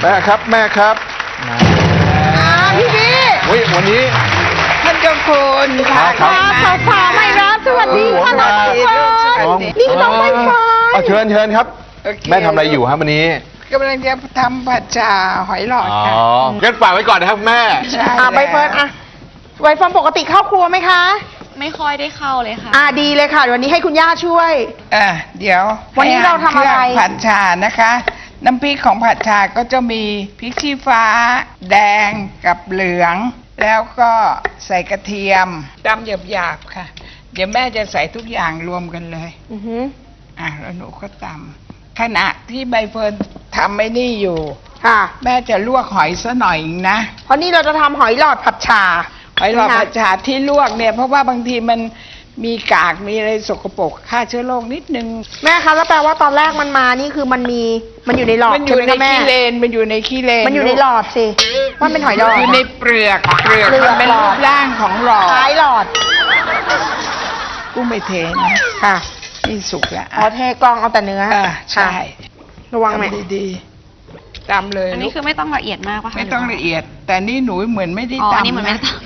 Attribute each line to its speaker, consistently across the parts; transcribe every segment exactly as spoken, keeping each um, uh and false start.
Speaker 1: ม่ครับแม่ครับ
Speaker 2: พี่พี่
Speaker 1: วิวันนี้
Speaker 2: ท่านเจ้าคุณค่ะ
Speaker 1: ครับ
Speaker 2: สาวสาวใหม่รักสวัสดีค่ะน้องใบเฟิร์นนี่น้องใบเฟิร์น
Speaker 1: เอาเชิญเชิญครับแม่ทำอะไรอยู่ครับวันนี้
Speaker 2: กำลังจะทำผัดชาหอยหลอดค่ะ
Speaker 1: อ๋องั้นฝากไว้ก่อนนะครับแม่
Speaker 2: ใช่
Speaker 3: อ่ะใบเฟิร์นอ่ะใบเฟิร์นปกติเข้าครัวไหมคะ
Speaker 4: ไม่ค่อยได้เข้าเลยค่ะ
Speaker 3: อ่าดีเลยค่ะวันนี้ให้คุณย่าช่วย
Speaker 2: อ่ะเดี๋ยว
Speaker 3: วันนี้เราทำอะไร
Speaker 2: เคงผัดชานะคะ น้ำพริกของผัดชาก็จะมีพริกชี้ฟ้า แดงกับเหลือง แล้วก็ใส่กระเทียมตำหยาบๆค่ะ เดี๋ยวแม่จะใส่ทุกอย่างรวมกันเลย
Speaker 3: อือฮึ
Speaker 2: อ่ะแล้วหนูก็ตำขณะที่ใบเฟิร์นทำไม่นี่อยู่
Speaker 3: ค่ะ
Speaker 2: แม่จะลวกหอยซะหน่อยนะ
Speaker 3: เพราะนี่เราจะทำหอยหลอดผัดชา
Speaker 2: หอยหลอดผัดชาที่ลวกเนี่ยเพราะว่าบางทีมันมีกากมีอะไรสกปรกฆ่าเชื้อโรคนิดนึง
Speaker 3: แม่คะแล้วแปลว่าตอนแรกมันมานี่คือมันมีมันอยู่ในหลอด
Speaker 2: มันอ
Speaker 3: ใช่
Speaker 2: ยู่
Speaker 3: ไหม
Speaker 2: ใน
Speaker 3: คะแม่
Speaker 2: ขี้เลนมันอยู่ในขี้เลน
Speaker 3: มันอยู่ในหลอดสิว่าเป็นหอยหลอด
Speaker 2: อยู่ในเปลือกเปลือก
Speaker 3: เปลือก
Speaker 2: มันเป็น
Speaker 3: หลอด
Speaker 2: รูปร่างของหลอด
Speaker 3: ท้ายหลอด
Speaker 2: กุ้งไม่เทนะ
Speaker 3: ค่ะ
Speaker 2: นี่สุกแล้ว
Speaker 3: อ๋อเทกลองเอาแต่เนื้อ
Speaker 2: อ่าใช่
Speaker 3: ระวังแม่
Speaker 2: ทำดีๆตำเลย
Speaker 4: อันนี้คือไม่ต้องละเอียดมากป่ะคะ
Speaker 2: ไม่ต้องละเอียด แต่นี่หนูเหมือนไม่ได้
Speaker 4: อ๋อ
Speaker 2: ตำ
Speaker 4: อันนี้เหมือนไม่
Speaker 2: นะ
Speaker 4: ต้อง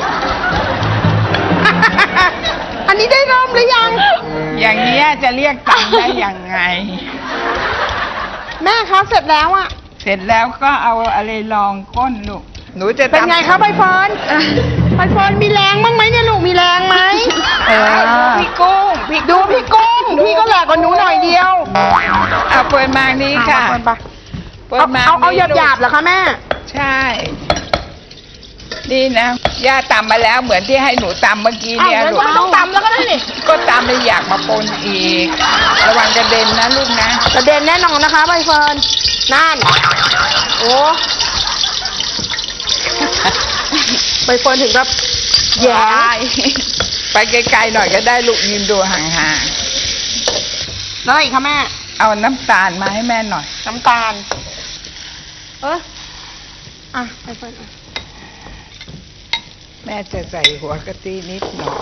Speaker 3: อันนี้ได้เริ่มหรือยัง
Speaker 2: อย่างนี้ยจะเรียกตำได้ยังไง
Speaker 3: แม่คะเสร็จแล้วอะ
Speaker 2: เสร็จแล้วก็เอาอะไรรองก้นลูกหนูจะ
Speaker 3: เป็นไง
Speaker 2: ตำ
Speaker 3: คะใบเฟิร์นใบเฟิร์นมีแรงบ้างไหมเนี่ยลูกมีแรงไหม
Speaker 2: เออพี่กุ้งพี่
Speaker 3: ดูพี่กุ้งพี่ก็แหลกกว่าหนูหน่อยเดียว
Speaker 2: เอาเปิดมานี้ค่ะ
Speaker 3: เอาเปิด
Speaker 2: เปิด
Speaker 3: เอา
Speaker 2: มา
Speaker 3: เอาเอาหยาบ
Speaker 2: ลูก
Speaker 3: หยาบๆเหรอคะแม่
Speaker 2: ใช่ นี่นะย่าตำมาแล้วเหมือนที่ให้หนูตำเมื่อกี้
Speaker 3: อ้าว
Speaker 2: เนี่ย
Speaker 3: งั้น
Speaker 2: ลู
Speaker 3: ก็
Speaker 2: ก
Speaker 3: ไม่ต้องตำแล้วก็ได้นี่
Speaker 2: ก็ตำไม่อยากมาปนอีก ระวังกระเด็นนะลูกนะ
Speaker 3: ประเด็นแน่นอนนะคะใบเฟิร์นนั่นโอ้ใบเฟิร์นถึงกับแย่
Speaker 2: ไปไกลๆหน่อยก็ได้ลูกยืนดูห่าง
Speaker 3: แล้วอะไรอีกคะแม่
Speaker 2: ๆเอาน้ำตาลมาให้แม่หน่อย
Speaker 3: น้ำตาล เอออ่ะใบเฟิร์นอ่ะ
Speaker 2: แม่จะใส่หัวกะทินิดหน่อย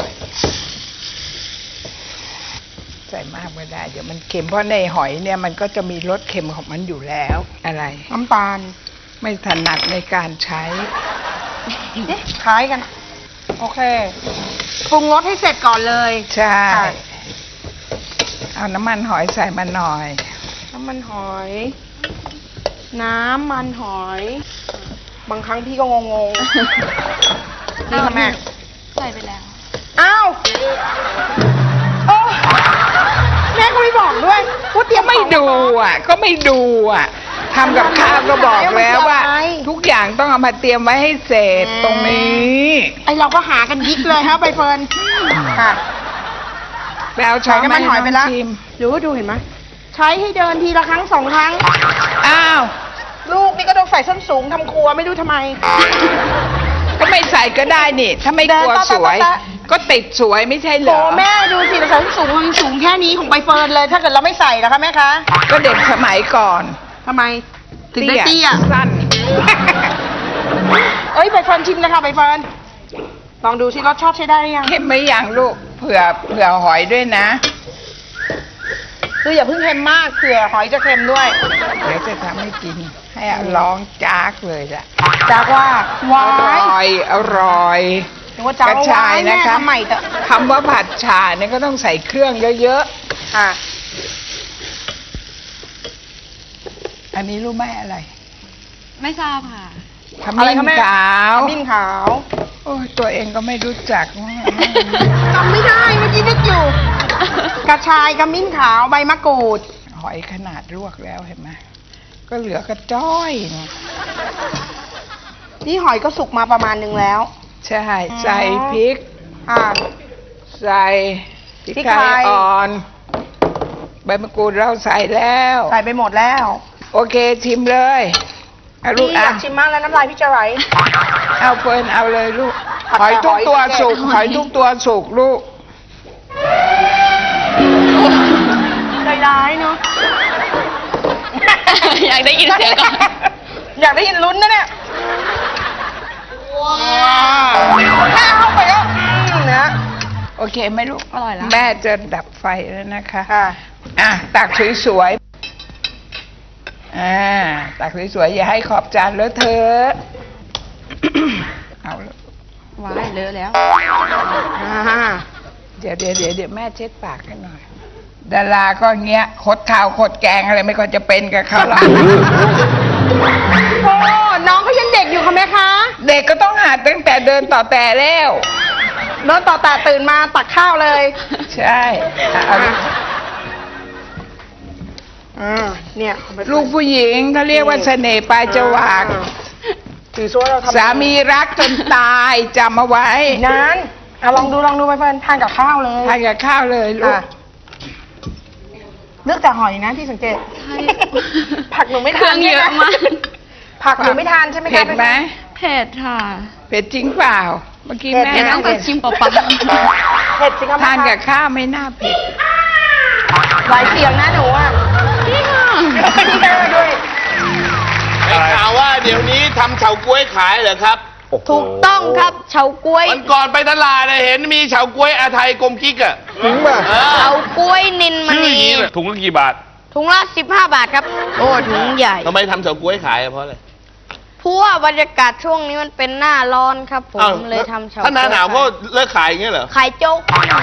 Speaker 2: ใส่มากไม่ได้เดี๋ยวมันเค็มเพราะในหอยเนี่ยมันก็จะมีรสเค็มของมันอยู่แล้วอะไร
Speaker 3: น้ำตาล
Speaker 2: ไม่ถนัดในการใช้
Speaker 3: เอ๊ะคล้ายกัน โอเคปรุงรสให้เสร็จก่อนเลย
Speaker 2: ใช่
Speaker 3: ค่ะ
Speaker 2: เอาน้ำมันหอยใส่มาหน่อย
Speaker 3: น้ำมันหอย น้ำมันหอย บางครั้งพี่ก็งงๆ นี่ค่ะแม่
Speaker 4: ใส่ไปแล้ว
Speaker 3: อ้าวโอ้แม่ก็ไม่บอกด้วยว่าเตรียม
Speaker 2: ไม่ดูอ่ะ ก็ไม่ดูอ่ะทำกับข้าวก็บอกแล้วว่า ทุกอย่างต้องเอามาเตรียมไว้ให้เสร็จตรงนี้
Speaker 3: ไอเราก็หากันยิกเลยฮะใบเฟิร์นค่ะ
Speaker 2: ไปเอาช้อน
Speaker 3: ใส่น้ำมันหอยไปแล้ว
Speaker 2: ชิม
Speaker 3: หรือว่าดูเห็นไหมใช้ให้เดินทีละครั้งสองครั้ง
Speaker 2: อ้าว
Speaker 3: ลูกนี่ก็ต้องใส่ส้นสูงทำครัวไม่รู้ทำไม
Speaker 2: ก็ไม่ใส่ก็ได้นี่ ถ้าไม่กลัว
Speaker 3: เดินตะตะ
Speaker 2: สวย
Speaker 3: ตะ
Speaker 2: ก็ติดสวยไม่ใช่เหร
Speaker 3: โอ้
Speaker 2: อ
Speaker 3: แม่ดูสิเราใส่ส้นสูงมันสูงแค่นี้ของใบเฟิร์นเลย ถ้าเกิดเราไม่ใส่นะคะแม่คะ
Speaker 2: ก็เด็กสมัยก่อน
Speaker 3: ทำไมถึงได้เตี้ย
Speaker 2: สั้น
Speaker 3: เอ้ยใบเฟิร์นชิมเลยค่ะใบเฟิร์นลองดูสิรสชาติใช้ได้หรือยัง
Speaker 2: เค็มไหมยังลูกเผื่อเผื่อหอยด้วยนะ
Speaker 3: คืออย่าเพิ่งเค็มมากเผื่อหอยจะเค็มด้วย
Speaker 2: เดี๋ยวจะทำให้กิน ให้ร้องจากเลยล่ะ
Speaker 3: จากว่า
Speaker 2: อ
Speaker 3: วา
Speaker 2: ร่
Speaker 3: ย
Speaker 2: อยอร่อย
Speaker 3: นึกว่าจาก
Speaker 2: กระชาย
Speaker 3: แม่
Speaker 2: นะคะ
Speaker 3: ทำใหม่เถอะ
Speaker 2: คำว่าผัดชาเนี่ยก็ต้องใส่เครื่องเยอะ
Speaker 3: อ่ะ
Speaker 2: ๆ อันนี้รู้ไหมอะไร
Speaker 4: ไม่ทราบค่ะ
Speaker 2: ขมิ้นขาว
Speaker 3: ขมิ้นขาว
Speaker 2: โอ้ยตัวเองก็ไม่รู้จัก
Speaker 3: จำไม่ได้เมื่อกี้นึกอยู่ กระชายขมิ้นขาวใบมะกรูด
Speaker 2: หอยขนาดลวกแล้วเห็นไหมก็เหลือกระจ้อยเนี่ย
Speaker 3: นี่หอยก็สุกมาประมาณนึงแล้ว
Speaker 2: ใช่ใส่พริก
Speaker 3: อ่า
Speaker 2: ใส่พริก
Speaker 3: พริก
Speaker 2: ไท
Speaker 3: ไท
Speaker 2: ย
Speaker 3: ย
Speaker 2: อ่อน ใบมะกรูดเราใส่แล้ว
Speaker 3: ใส่ไปหมดแล้ว
Speaker 2: โอเคชิมเลยเอาลู
Speaker 3: พี่
Speaker 2: ก
Speaker 3: อ
Speaker 2: อ่ะ
Speaker 3: ยากชิมมากแล้วน้ำลายพี่จะไหล
Speaker 2: เอาเฟิร์นเอาเลยลูก
Speaker 3: ผัด
Speaker 2: หอยทุกตัว
Speaker 3: หอย
Speaker 2: สุก
Speaker 3: หอย
Speaker 2: หอยทุกตัวสุกลูก
Speaker 3: ใจร้ายเนาะ
Speaker 4: อยากได้ยินเสียงก่อน
Speaker 3: อยากได้ยินลุ้นนะเนี่ยว้าวแม่เอาไปก็อืมนะ
Speaker 2: โอเคไหมลูก
Speaker 4: อร่อยแล้ว
Speaker 2: แม่จะดับไฟแล้วนะคะ
Speaker 3: ค่ะ
Speaker 2: อ่ะตักสวยๆอ่าตักสวยๆอย่าให้ขอบจานเลอะเทอะ เอาละ
Speaker 4: ว้ายเลอะแล้ว
Speaker 3: อ่า
Speaker 2: เดี๋ยวเดี๋ยวเดี๋ยวเดี๋ยวแม่เช็ดปากให้หน่อย ดาราก็เงี้ยคดข้าวคดแกงอะไรไม่ค่อยจะเป็นกับเขาหรอก
Speaker 3: โอ้น้องเขายังเด็กอยู่ค่ะแม่คะ
Speaker 2: เด็กก็ต้องหัดตั้งแต่เดินต่อแต่แล้ว
Speaker 3: เดินต่อแต่ตื่นมาตักข้าวเลย
Speaker 2: ใช่เอา
Speaker 3: อ่าเนี่ยเอาไป
Speaker 2: ลูกผู้หญิงเขาเรียกว่าเสน่ห์ปลายจวัก
Speaker 3: ถือซัวเราทำ
Speaker 2: สามีรักจนตายจำเอาไว้
Speaker 3: นั้นเอาลองดูลองดูไปเฟิร์นทานกับข้าวเลย
Speaker 2: ทานกับข้าวเลยลูก
Speaker 3: อ่ะเลือกแต่หอยนะที่สังเกต
Speaker 4: ใช่
Speaker 3: ผักหนูไม่
Speaker 4: เครื่
Speaker 3: ทา
Speaker 4: อน งเยอะมาก
Speaker 3: ผักหนูไม่ทานใช่ไหมคะ
Speaker 2: เผ็ดไหม
Speaker 4: เผ็ดค่ะ
Speaker 2: เผ็ดจริงเปล่า เมื่อกี้
Speaker 3: เผ็ด
Speaker 2: แม่
Speaker 4: เดี๋ยวต้องไปชิมเปล่า
Speaker 3: เผ็ดสิคะ
Speaker 2: ทานกับข้าวไม่น่าเผ็ด
Speaker 3: หลายเสียงนะหนูอ่ะ
Speaker 4: ๆนี่ค่ะ
Speaker 3: พี่แม่ด้วย
Speaker 1: ได้ข่าวว่าเดี๋ยวนี้ทำเฉาก๊วยขายเหรอครับ
Speaker 3: ถูกต้องครับเฉาก๊วย
Speaker 1: วันก่อนไปตลาดเนี่ยเห็นมีเฉาก๊วยอาไทยกลมกิ๊กอะจริงป่ะ
Speaker 3: เฉาก๊วยนินม
Speaker 1: ชื่ออ
Speaker 3: ณี
Speaker 1: ย่างนี้เลยถุงละกี่บาท
Speaker 3: ถุงละสิบห้าบาทครับ โอ้ถุงใหญ่
Speaker 1: ทำไมทำเฉาก๊วยขายอะเพราะอะไร
Speaker 3: เพราะว่าบรรยากาศช่วงนี้มันเป็นหน้าร้อนครับผม
Speaker 1: อ้าว
Speaker 3: เลยทำเฉาก๊วย
Speaker 1: ถ้าหน้าหนาวก็เลิกขายอย่างเงี้ยเหรอ
Speaker 3: ขายโจ๊ก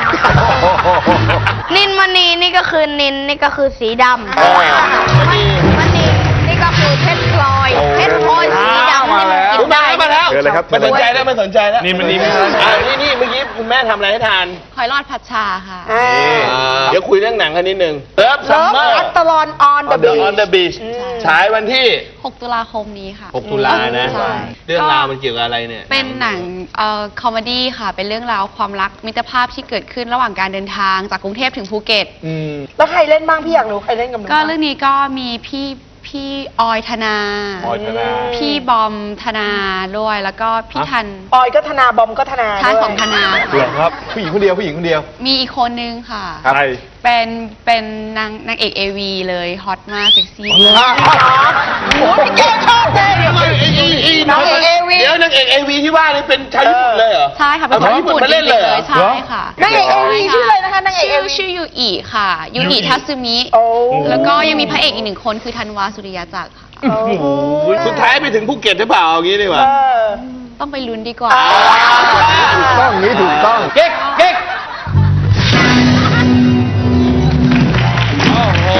Speaker 3: นินมณีนี่ก็คือนินนี่ก็คือสีดำ
Speaker 1: อ๋อ
Speaker 3: มณีมณีนี่ก็คือเพชรพลอยเพชรพลอยสีดำ
Speaker 1: มาแล้ว
Speaker 3: กินได้
Speaker 1: มาแล้ว
Speaker 5: เชิญเลยครับ
Speaker 1: ไม่สนใจแล้วไม่สนใจแล้ว
Speaker 5: นี่มันนี่ไม่
Speaker 1: อ่านี่นี่เมื่อกี้คุณแม่ทำอะไรให้ทาน
Speaker 4: หอยรอดผัดชาค่ะ
Speaker 3: อ่า
Speaker 1: เดี๋ยวคุยเรื่องหนังกันนิดนึงเลิฟซั
Speaker 3: เลิ
Speaker 1: ม
Speaker 3: ฟ
Speaker 1: เมอร์
Speaker 3: อัตลอนออนเดอะบี
Speaker 1: on the beach ฉายวันที่
Speaker 4: หกตุลาคมนี้ค่ะ
Speaker 1: หกตุลานะ
Speaker 4: ใช่
Speaker 1: เรื่องราวมันเกี่ยวกับอะไรเนี่ย
Speaker 4: เป็นหนังเอ่อคอมเมดี้ค่ะ เป็นเรื่องราวความรักมิตรภาพที่เกิดขึ้นระหว่างการเดินทางจากกรุงเทพถึงภูเก็ต
Speaker 1: อืม
Speaker 3: แล้วใครเล่นบ้างพี่อยากรู้ใครเล่นกับหนู
Speaker 4: ก็เรื่องนี้ก็มีพี่พี่ออยธนา
Speaker 1: ออยธนา
Speaker 4: พี่บอมธนาด้วย แล้วก็พี่ทัน
Speaker 3: ออยก็ธนาบอมก็ธนา
Speaker 4: ชาย
Speaker 3: ด้วย
Speaker 4: ของธนา
Speaker 1: เหรอครับ ผู้หญิงคนเดียวผู้หญิงคนเดียว
Speaker 4: มีอีกคนนึงค่ะ
Speaker 1: ครับ
Speaker 4: เป็นเป็นนางนางเอกเอวีเลยฮอตมากเซ็กซี่
Speaker 1: อ๋อ
Speaker 4: มาก
Speaker 3: โอ้โหพี่แกชอบเลย
Speaker 1: ไอ้ไอ้ไอ้
Speaker 3: นางเอกเอวี
Speaker 1: เดี๋ยวนางเอกเอวีที่ว่านี่เป็นชาวญี่ปุ่นเลยเหรอ
Speaker 4: ใช่ค่ะ เป็นคนญี่ปุ่น
Speaker 1: เอาคนญี่ปุ่นมาเล่นเลยเหรอ
Speaker 4: ใช่ค่ะ
Speaker 3: นางเอกเอวีชื่ออะไรนะคะนางเอกเอ
Speaker 4: ชื่อ
Speaker 3: วี
Speaker 4: ชื่อยูอิค่ะ ยูอิทัตสึมิ
Speaker 3: โอ้
Speaker 4: แล้วก็ยังมีพระเอกอีกหนึ่งคนคือธันวาสุริยาจักรค่ะ
Speaker 3: โอ้โห
Speaker 1: สุดท้ายไปถึงภูเก็ตหรือเปล่าเอางี้ดีกว่า
Speaker 3: เออ
Speaker 4: ต้องไปลุ้นดีกว่า
Speaker 1: ถูกต้องนี้ถูกต้อง เก๊กเก๊กโอ้โห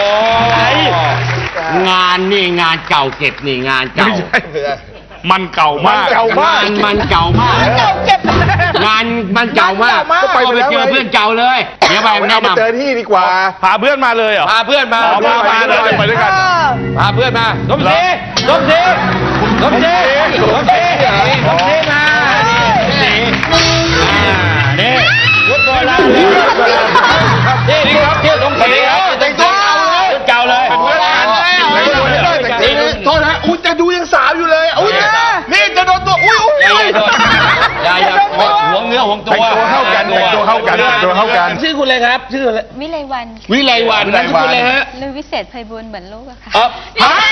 Speaker 6: งานนี่งานเก่าเก็บนี่งานเก่า
Speaker 5: มันเก่ามาก
Speaker 1: เก่ามาก
Speaker 6: งานมันเก่ามาก
Speaker 3: เก่าเก็บ
Speaker 6: งานมันเก่ามาก
Speaker 3: งานเก่ามาก
Speaker 6: ก็ไปไปเจอเพื่อนเก่าเลย เดี๋ยวไปแนะ
Speaker 1: เอาไปเจอน
Speaker 6: ำ
Speaker 1: ที่ดีกว่า
Speaker 5: พาเพื่อนมาเลยเหรอ
Speaker 1: พาเพื่อนมา
Speaker 5: อ๋อพามาเลยไปด้วยกัน
Speaker 3: เออ
Speaker 1: พาเพื่อนมาสมศรี
Speaker 5: สมศรี
Speaker 1: สมศรีสมศรีสมศรีมานี่
Speaker 5: นี่
Speaker 1: ยุทธโบราณนี่นี่ครับเที่ยวสมศรีครับแต่งตัวเก่าเลย
Speaker 5: เก่าเลย
Speaker 1: เป็นเพื่อนกันแต่งตัวเลยแต่งตัวเลยโทษนะอุ้ยจะดูยังสาวอยู่เลยอุ้ยนี่จะโดนตัวอุ้ยอุ้ย
Speaker 6: อย่าอย่าหวงเนื้อหวงตัว
Speaker 5: แต่งตัวเข้ากันแต่งตัวเข้ากันแต่งตัวเข้ากัน
Speaker 1: ชื่อคุณอะไรครับ ชื่ออะไร
Speaker 4: วิไลวัน
Speaker 1: วิไลวันนามสกุลอะไรฮะ
Speaker 4: ลือวิเศษไพบูลย์เหมือนลูกอะค่ะ
Speaker 1: เออฮะ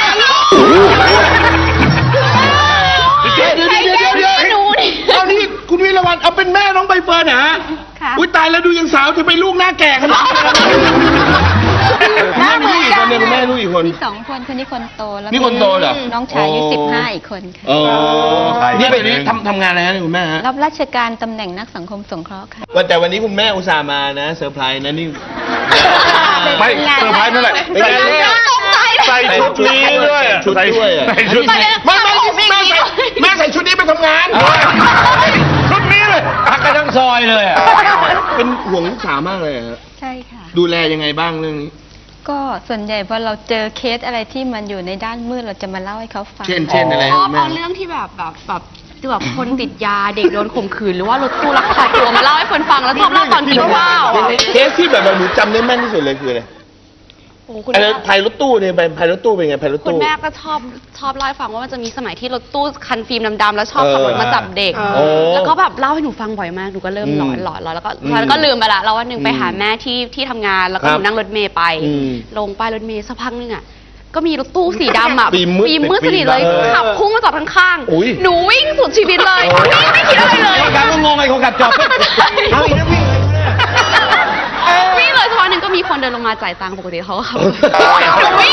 Speaker 1: เดี๋ยวเดี๋ยวเดี๋ยวเดี๋ยวเดี๋ยว
Speaker 4: หนูนี่
Speaker 1: เอานี่คุณวิไลวันเอาเป็นแม่น้องใบเฟิร์นเหรอฮะ
Speaker 4: ค่ะ
Speaker 1: อุ้ยตายแล้วดูยังสาวจะเป็นลูกหน้าแก่ขนาดนี้แม่มีลูกอีกคนเนี่ยคุณแม่ลูกอีกคน
Speaker 4: สองคนคนนี้คนโตแล้ว
Speaker 1: นี่คนโตเหรอ
Speaker 4: น้องชายอายุสิบห้าอีกคนค่ะ
Speaker 1: อ๋อ
Speaker 5: ใช่
Speaker 1: นี่เป็นนี่ทำทำงานอะไรนะคุณแม่ฮะ
Speaker 4: รับราชการตำแหน่งนักสังคมสงเคราะห์ค่ะ
Speaker 1: วันแต่วันนี้คุณแม่อุตส่าห์มานะเซอร์ไพรส์นะนี่
Speaker 5: ไม่เซอร์ไพรส์นั่นแหละ
Speaker 1: เป็นไงเนี่ย
Speaker 5: ใส่ชุดนี้ด้วยอะ
Speaker 1: ชุดด้วยอะ
Speaker 5: ใส่ชุดนี้
Speaker 1: ไม่ไม่แม่ใส่แม่ใส่ชุดนี้ไปทำงาน
Speaker 5: ชุดนี้เลย
Speaker 6: พักกันทั้งซอยเลยอะ
Speaker 1: เป็นห่วงลูกสาวมากเลยอะ
Speaker 4: ใช่ค่ะ
Speaker 1: ดูแลยังไงบ้างเรื่องนี้
Speaker 4: ก็ส่วนใหญ่พอเราเจอเคสอะไรที่มันอยู่ในด้านมืดเราจะมาเล่าให้เขาฟัง
Speaker 1: เช่นเช่นอะไร
Speaker 4: ชอบ
Speaker 1: แม่
Speaker 4: เอาเรื่องที่แบบแบบแบบแบบคนติดยาเด็กโดนข่มขืนหรือว่ารถตู้ลักพาตัวมาเล่าให้คนฟังแล้วชอบเล่าตอนกินข้าวอะ
Speaker 1: เคสที่แบบหนูจำได้แม่นที่สุดเลยคืออะไร
Speaker 4: โอ้คุณ
Speaker 1: อะไร
Speaker 4: แม่
Speaker 1: พายรถตู้เนี่ยไปพายรถตู้เป็นไงพายรถ
Speaker 4: คุณ
Speaker 1: ตู้
Speaker 4: แม่ก็ชอบชอบเล่าให้ฟังว่ามันจะมีสมัยที่รถตู้คันฟิล์มดำๆแล้วชอบขับรถมาจับเด็ก
Speaker 1: โอ้
Speaker 4: แล้วก็แบบเล่าให้หนูฟังบ่อยมากหนูก็เริ่มหลอนหลอนหลอนแล้วก็
Speaker 1: อืม
Speaker 4: แล้วก็ลืมไปละแล้ววันหนึ่งไปหาแม่ที่ที่ทำงานแล้วก็
Speaker 1: ค
Speaker 4: ห
Speaker 1: รับ
Speaker 4: นูนั่งรถเมย์ไป
Speaker 1: อืม
Speaker 4: ลงป้ายรถเมย์สักพักนึงอ่ะก็มีรถตู้สีดำอ่ะ
Speaker 1: ฟิล์มมืด
Speaker 4: ฟิล์มมืดสนิทเลย
Speaker 1: เออ
Speaker 4: ขับพุ่งมาจอดข้าง
Speaker 1: อุ๊ย
Speaker 4: ๆหนูวิ่งสุดชีวิตเลยวิ่งไม่คิดอะไรเลย
Speaker 6: คนขับก็งงไอ้คนขับจอดเอาอีกแล้ววิ่งเลย
Speaker 4: วิ่งเลยสักพักหนึ่งก็มีคนเดินลงมาจ่ายตังค์ปกติเขาก็ขับหนูวิ่งไปแอบอยู่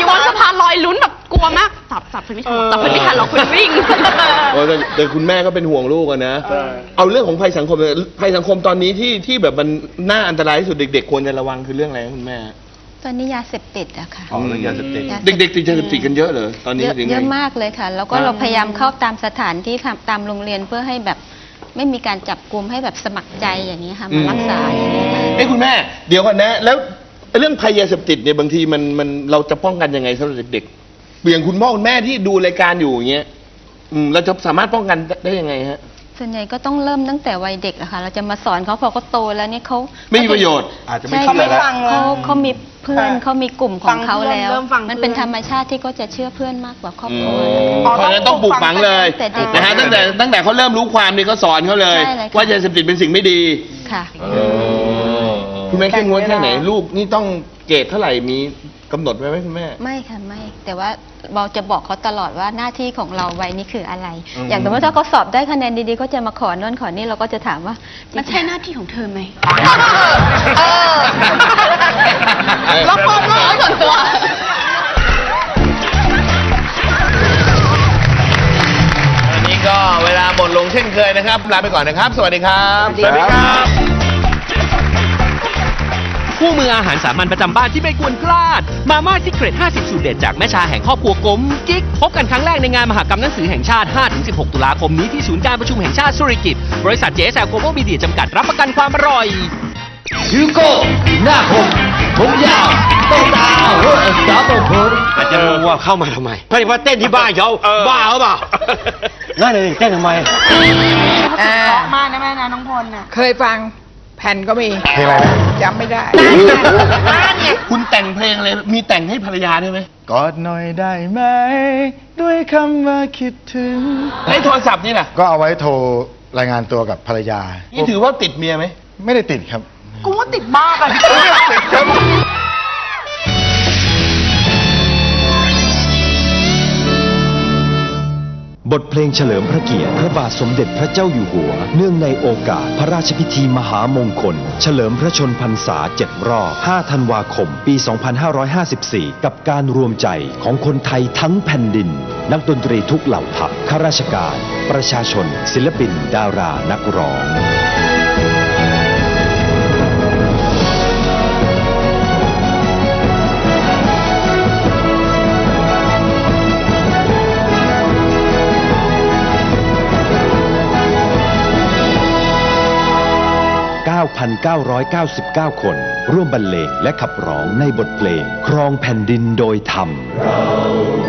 Speaker 4: อยู่บนสะพานลอยลุ้นแบบกลัวมากจับจับเพื่อนไม่ทันจับเพื่อนไม่ทันหรอกคุณวิ่ง
Speaker 1: โอ้แต่แต่คุณแม่ก็เป็นห่วงลูกอะนะ เอาเรื่องของภัยสังคมเลยภัยสังคมตอนนี้ที่ที่แบบมันน่าอันตรายที่สุดเด็กๆควรจะระวังคือเรื่องอะไรครับคุณแม่
Speaker 7: ตอนนี้ยาเสพติดอะค่ะ
Speaker 5: อ๋อเรื่องยาเสพติด
Speaker 7: ยาสพ
Speaker 1: เด็กๆติดยาเสพติดกันเยอะเหรอตอนนี้
Speaker 7: เยอะ
Speaker 1: ถึงไง
Speaker 7: เยอะมากเลยค่ะ แล้วก็เราพยายามเข้าตามสถานที่ค่ะตามโรงเรียนเพื่อให้แบบไม่มีการจับกลุ่มให้แบบสมัครใจอย่างนี้ค่ะมารักษาอย่างนี้ค่ะ
Speaker 1: เอ้ยคุณแม่เดี๋ยวก่อนนะ แล้วเรื่องภัยยาเสพติดเนี่ยบางทีมันมันเราจะป้องกันยังไงสำหรับเด็กๆอย่างคุณพ่อคุณแม่ที่ดูรายการอยู่อย่างเงี้ยอืมเราจะสามารถป้องกันได้ยังไงฮะ
Speaker 7: ส่วนใหญ่ก็ต้องเริ่มตั้งแต่วัยเด็กอะค่ะ เราจะมาสอนเขาพอเขาโตแล้วเนี่ยเขา
Speaker 1: ไม่มีประโยชน์
Speaker 5: อาจจะไม่
Speaker 7: ใช่
Speaker 5: เชื่อแล้ว
Speaker 7: เขาเขามีเพื่อน
Speaker 3: ค่ะ
Speaker 7: เขามีกลุ่มของเขา
Speaker 3: ฟังเพื่อน
Speaker 7: แล้ว
Speaker 3: เริ่มฟัง
Speaker 7: มันเป็น
Speaker 3: เพื่อน
Speaker 7: ธรรมชาติที่ก็จะเชื่อเพื่อนมากกว่าครอบ
Speaker 1: อื
Speaker 7: ครัว
Speaker 1: มเพราะฉะนั้นต้องปลูกฝังเลย
Speaker 7: แต่เด็ก
Speaker 1: นะฮะตั้งแต่ตั้งแต่เขาเริ่มรู้ความนี่ก็สอนเขาเลย
Speaker 7: ใช่เลยค่ะ
Speaker 1: ว่ายาเสพติดเป็นสิ่งไม่ดี
Speaker 7: ค่ะ
Speaker 1: คุณแม่เข้มงวดแค่ไหนลูกนี่ต้องเกรดเท่าไหร่มีกำหนดไว้ไหมคุณแม่
Speaker 7: ไม่ค่ะไม่ แต่ว่าเราจะบอกเขาตลอดว่าหน้าที่ของเราวัยนี้คืออะไร อย่างสมมติถ้าเขาสอบได้คะแนนดีๆเขาจะมาขอโน่นขอนี่เราก็จะถามว่า
Speaker 4: มันใช่หน้าที่ของเธอไหม
Speaker 3: เออ
Speaker 4: แล้วความรู้ส่วนตัว
Speaker 1: วันนี้ก็เวลาหมดลงเช่นเคยนะครับลาไปก่อนนะครับ สวัสดีครับ
Speaker 5: สวัสดีครับ
Speaker 8: คู่มืออาหารสามัญประจำบ้านที่ไม่ควรพลาด มาม่าซิเกรตห้าสิบ สูตรเด็ดจากแม่ชาแห่งครอบครัวกลมกิ๊ก พบกันครั้งแรกในงานมหกรรมหนังสือแห่งชาติ ห้าถึงสิบหก ตุลาคมนี้ที่ศูนย์การประชุมแห่งชาติสุริกิตบริษัท เจ เอส แอล Global Media จำกัดรับประกันความอร่อย
Speaker 6: ฮิวโก้หน้าคมผมยาวต้องตาหัวสาวต้องผมอาจจะรู้ว่าเข้ามาทำไมเพราะว่าเต้นที่บ้านเขาบ้าหรือเปล่าง่ายเลยเต้นทำไม
Speaker 2: อ่า
Speaker 3: เพราะมากนะแม่นะน้องพลน่ะ
Speaker 2: เคยฟังแผ่นก็มี
Speaker 5: เพลงอะไรนะ
Speaker 2: จำไม่ได้
Speaker 1: คุณแต่งเพลงอะไรมีแต่งให้ภรรยาด้วยไหม
Speaker 5: กอดหน่อยได้ไหม ด้วยคำว่าคิดถึง
Speaker 1: ไอ้โทรศัพท์นี่แหละ
Speaker 9: ก็เอาไว้โทรรายงานตัวกับภรรยา
Speaker 1: นี่ถือว่าติดเมียไหม
Speaker 9: ไม่ได้ติดครับ
Speaker 3: กูว่าติดมากอะ
Speaker 10: บทเพลงเฉลิมพระเกียรติพระบาทสมเด็จพระเจ้าอยู่หัวเนื่องในโอกาสพระราชพิธีมหามงคล เฉลิมพระชนพรรษาเจ็ดรอบ ห้า ธันวาคม ปี สองพันห้าร้อยห้าสิบสี่ กับการรวมใจของคนไทยทั้งแผ่นดิน นักดนตรีทุกเหล่าทัพข้าราชการ ประชาชน ศิลปิน ดารา นักร้องเก้าพันเก้าร้อยเก้าสิบเก้า คน ร่วมบรรเลงและขับร้องในบทเพลง ครองแผ่นดินโดยธรรมเรา